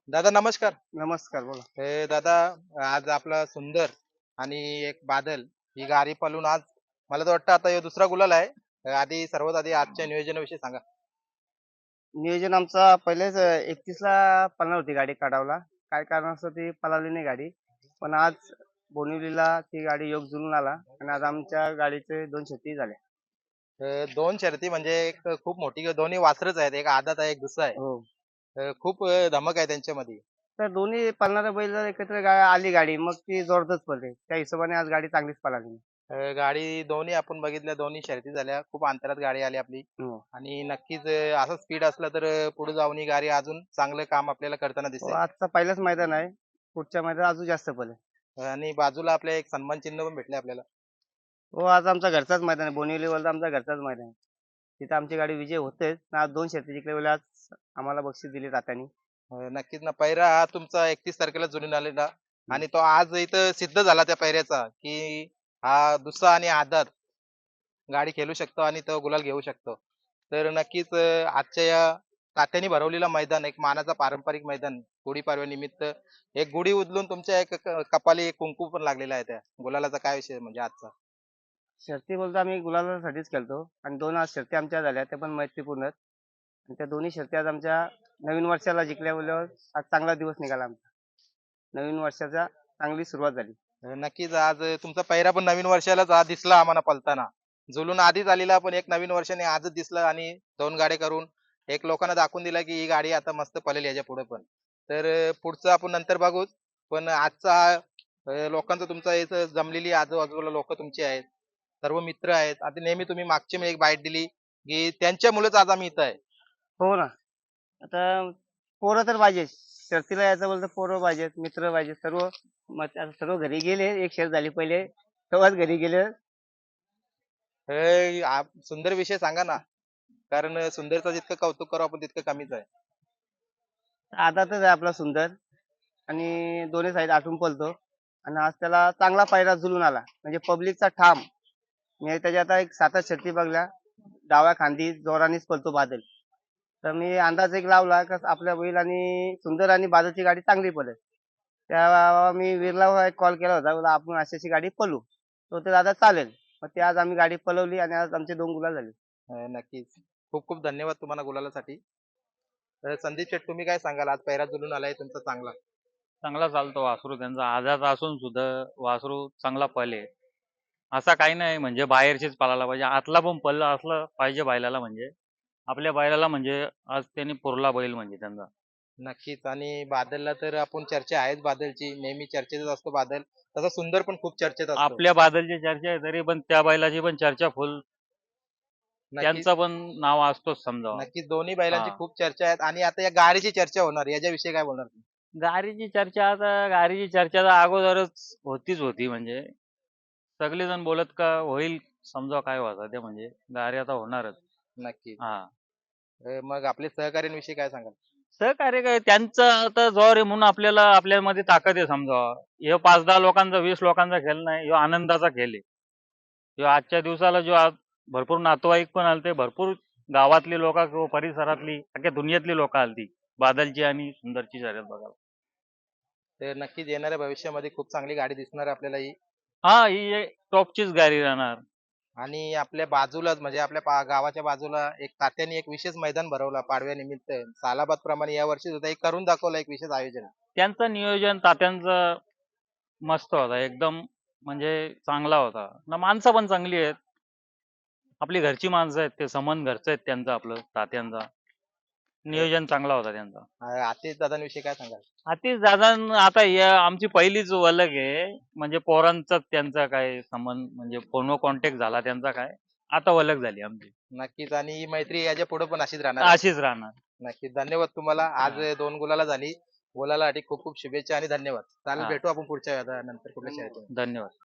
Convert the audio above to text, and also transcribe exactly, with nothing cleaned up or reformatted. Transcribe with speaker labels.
Speaker 1: दादा नमस्कार.
Speaker 2: नमस्कार बोला.
Speaker 1: हे दादा, आज आपला सुंदर आणि एक बादल ही गाडी पळून आज मला तर वाटतं आता ह्यो दुसरा गुलाल आहे. अ, आधी सर्वात आधी आजच्या नियोजनाविषयी सांगा.
Speaker 2: नियोजन आमचा पहिलेच अ, एकतीसला पळणार होती गाडी कडावला. काय कारणास्तव ती पळाली नाही गाडी. पण आज बोनिवलीला ती गाडी योग जुळून आला आणि आज आमच्या गाडीचे दोन शर्यती झाल्या.
Speaker 1: अ, दोन शर्यती म्हणजे एक खूप मोठी दोन्ही वासरच आहेत. एक आदत आहे, एक दुसरा आहे.
Speaker 2: हो.
Speaker 1: अ, खूप अ, धमक आहे त्यांच्यामध्ये.
Speaker 2: तर दोन्ही पळणाऱ्या बैल जर एकत्र गा आली गाडी मग ती जोरदारच पळते. त्या हिशोबाने आज गाडी चांगलीच पळाली.
Speaker 1: अ, गाडी दोन्ही आपण बघितल्या, दोन्ही शर्यती झाल्या. खूप अंतरात गाडी आली आपली
Speaker 2: हो.
Speaker 1: आणि नक्कीच अ, असं स्पीड असलं तर अ, पुढे जाऊन ही गाडी अजून चांगलं काम आपल्याला करताना
Speaker 2: हो,
Speaker 1: दिसेल.
Speaker 2: आजचा पहिलाच मैदान आहे. पुढच्या मैदानात अजून जास्त पळेल.
Speaker 1: आणि बाजूला आपल्या एक सन्मान चिन्ह पण भेटले आपल्याला.
Speaker 2: हो, आज आमचा घरचाच मैदान आहे. बोनिवलीवरचा आमचा घरचाच मैदान आहे. तिथं आमची गाडी विजय होतेच. आज दोन शर्यती जिंकल्यामुळे आज आम्हाला बक्षीस दिले तात्यांनी.
Speaker 1: अ, नक्कीच ना. पैरा हा तुमचा एकतीस तारखेला जुळून आलेला आणि तो आज इथं सिद्ध झाला त्या पैऱ्याचा, की हा दुसरा आणि आदत गाडी खेळू शकतो आणि तो गुलाल घेऊ शकतो. तर नक्कीच अ, आजच्या या तात्यांनी भरवलेलं मैदान, एक मानाचा पारंपरिक मैदान, गुढीपाडव्यानिमित्त एक गुढी उधळून तुमच्या एक क कपाली एक कुंकू पण लागलेला आहे त्या गुलालाचा काय विषय म्हणजे आजचा?
Speaker 2: शर्ती बोलतो आम्ही गुलालासाठीच खेळतो आणि दोन आज शर्ती आमच्या झाल्या त्या पण मैत्रीपूर्ण आहेत. आणि त्या दोन्ही शर्ती आज आमच्या नवीन वर्षाला जिंकल्यामुळं आज चांगला दिवस निघाला आमचा. नवीन वर्षाचा चांगली सुरुवात झाली.
Speaker 1: अ, नक्कीच आज अ, तुमचा पहिरा पण नवीन वर्षालाच आज दिसला आम्हाला पळताना. जुलून आधीच आलेला पण एक नवीन वर्षाने आजच दिसला आणि दोन गाड्या करून एक लोकांना दाखवून दिला, की ही गाडी आता मस्त पळेल याच्यापुढे पण. तर अ, पुढचं आपण नंतर बघूच. पण आजचा हा अ, लोकांचा तुमचा इथं जमलेली आजूबाजूला लोकं तुमची आहेत. सर्व मित्र आहेत. आता नेहमी तुम्ही मागची मी एक बाईट दिली, की त्यांच्यामुळेच आज आम्ही इथं आहे.
Speaker 2: हो ना. आता पोरं तर पाहिजेच. शर्तीला यायचं बोललं तर पोरं पाहिजेत, मित्र पाहिजेत सर्व. मग आता सर्व घरी गेले. एक शर्त झाली पहिले. तेव्हाच घरी गेले.
Speaker 1: हे आप सुंदर विषय सांगा ना. कारण अ, सुंदरचं जितकं कौतुक करू आपण तितकं कमीच आहे.
Speaker 2: आदातच आहे आपला सुंदर आणि दोन्ही साईड आटून पळतो आणि आज त्याला चांगला पायरा जुळून आला. म्हणजे पब्लिकचा ठाम. मी त्याच्या आता एक सात आठ शर्ती बघल्या. डाव्या खांदी जोरानेच पळतो बादल. तर मी अंदाज एक लावला का आपल्या बैल आणि सुंदर आणि बादलची गाडी चांगली पळेल. तेव्हा मी वीरला एक कॉल केला होता. बोलला आपण अशी अशी गाडी पळवू. तो ते दादा चालेल. मग ते आज आम्ही गाडी पळवली आणि आज आमचे दोन गुलाल झाले.
Speaker 1: अ, नक्कीच. खूप खूप धन्यवाद तुम्हाला गुलालासाठी. तर संदीप शेठ तुम्ही काय सांगाल? आज पहिरा जुळून आलाय तुमचा चांगला.
Speaker 3: चांगला चालतो वासरू त्यांचा आजात असून सुद्धा वासरू चांगला पळे. असा काही नाही म्हणजे बाहेरचीच पळायला पाहिजे. आतला पण पळला असलं पाहिजे बैलाला म्हणजे. आपल्या बैलाला म्हणजे आज त्यांनी पुरला बैल म्हणजे त्यांचा.
Speaker 1: नक्कीच आणि बादलला तर आपण चर्चा आहेच बादलची. नेहमी चर्चेतच असतो बादल. तसा सुंदर पण खूप चर्चेत असतो.
Speaker 3: आपल्या बादलची चर्चा आहे तरी पण त्या बैलाची पण चर्चा फुल
Speaker 1: नक्कीच,
Speaker 3: त्यांचं पण नाव असतोच समजावं.
Speaker 1: नक्कीच दोन्ही बैलांची
Speaker 3: हां.
Speaker 1: खूप चर्चा आहेत आणि आता या गाडीची चर्चा होणार. याच्याविषयी काय बोलणार तुम्ही?
Speaker 3: गाडीची चर्चा आता गाडीची चर्चा तर अगोदरच होतीच होती म्हणजे. सगळेजण बोलत का होईल समजा काय व्हायचं ते म्हणजे गाडी आता होणारच.
Speaker 1: नक्कीच.
Speaker 3: हां.
Speaker 1: अ, मग आपले सहकाऱ्यांविषयी काय सांगाल?
Speaker 3: सहकार्य काय त्यांचं आता जोर आहे म्हणून आपल्याला आपल्यामध्ये ताकद आहे समजावं. ह्यो पाच दहा लोकांचा वीस लोकांचा खेळ नाही, ह्यो आनंदाचा खेळ आहे. ह्यो आजच्या दिवसाला जो आज भरपूर नातेवाईक पण आलते, भरपूर गावातली लोकं किंवा परिसरातली, अख्ख्या दुनियेतली लोकं आलती. बादलची आणि सुंदरची शर्यत बघायला.
Speaker 1: तर नक्कीच येणाऱ्या भविष्यामध्ये खूप चांगली गाडी दिसणार आहे आपल्याला ही.
Speaker 3: हां, ही एक टॉपचीच गाडी राहणार.
Speaker 1: आणि आपल्या बाजूलाच म्हणजे आपल्या पा गावाच्या बाजूला एक तात्यांनी एक विशेष मैदान भरवला पाडव्यानिमित्त. सालाबाद प्रमाणे यावर्षी सुद्धा एक करून दाखवलं एक विशेष आयोजन.
Speaker 3: त्यांचं नियोजन तात्यांचं मस्त होता. एकदम म्हणजे चांगला होता. ना माणसं पण चांगली आहेत. आपली घरची माणसं आहेत. ते समन घरचं आहेत त्यांचं आपलं तात्यांचा.
Speaker 1: तर
Speaker 3: नियोजन चांगला होता त्यांचा.
Speaker 1: अ, आतिश दादांविषयी काय सांगाल?
Speaker 3: आतिश दादा आता या आमची पहिलीच ओळख आहे. म्हणजे पोरांचाच त्यांचा काय संबंध म्हणजे फोनवर कॉन्टॅक्ट झाला त्यांचा काय. आता ओळख झाली आमची.
Speaker 1: नक्कीच आणि ही मैत्री याच्या पुढे पण अशीच राहणार आहे.
Speaker 3: अशीच राहणार.
Speaker 1: नक्कीच. धन्यवाद तुम्हाला. आज
Speaker 3: हां,
Speaker 1: दोन गुलाला झाली. गुलालासाठी खूप खूप शुभेच्छा आणि धन्यवाद. चालेल
Speaker 3: हां.
Speaker 1: भेटू आपण पुढच्या वेळेला नंतर कुठल्या शर्यतीमध्ये.
Speaker 3: धन्यवाद.